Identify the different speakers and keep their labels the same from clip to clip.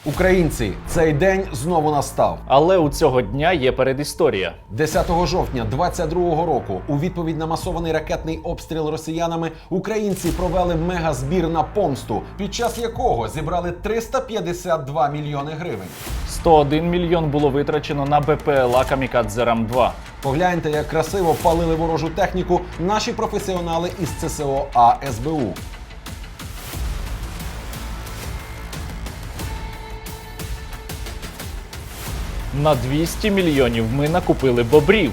Speaker 1: Українці, цей день знову настав.
Speaker 2: Але у цього дня є передісторія.
Speaker 1: 10 жовтня 22-го року у відповідь на масований ракетний обстріл росіянами українці провели мегазбір на помсту, під час якого зібрали 352 мільйони гривень.
Speaker 2: 101 мільйон було витрачено на БПЛА «Камікадзе Рам-2».
Speaker 1: Погляньте, як красиво палили ворожу техніку наші професіонали із ЦСО АСБУ.
Speaker 2: На 200 мільйонів ми накупили бобрів.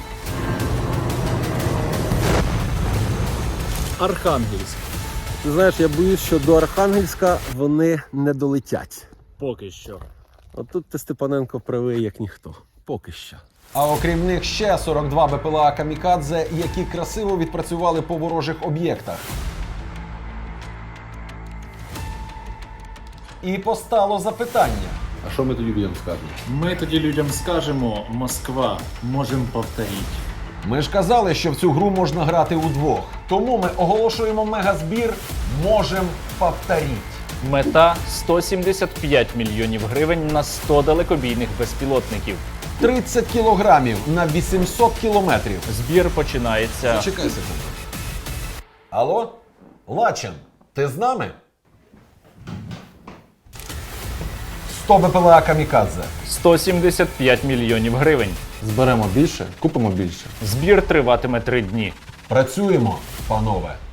Speaker 3: Архангельськ. Ти знаєш, я боюсь, що до Архангельська вони не долетять.
Speaker 2: Поки що.
Speaker 3: От тут ти, Степаненко, правий, як ніхто. Поки що.
Speaker 1: А окрім них ще 42 БПЛА «Камікадзе», які красиво відпрацювали по ворожих об'єктах. І постало запитання.
Speaker 3: А що ми тоді людям скажемо?
Speaker 4: Ми тоді людям скажемо: Москва, можемо повторити.
Speaker 1: Ми ж казали, що в цю гру можна грати удвох. Тому ми оголошуємо мегазбір «Можем повторить».
Speaker 2: Мета – 175 мільйонів гривень на 100 далекобійних безпілотників.
Speaker 1: 30 кілограмів на 800 кілометрів.
Speaker 2: Збір починається...
Speaker 1: Чекай секунду. Алло? Лачин, ти з нами? 100 БПЛА «Камікадзе».
Speaker 2: 175 мільйонів гривень.
Speaker 1: Зберемо більше, купимо більше.
Speaker 2: Збір триватиме 3 дні.
Speaker 1: Працюємо, панове.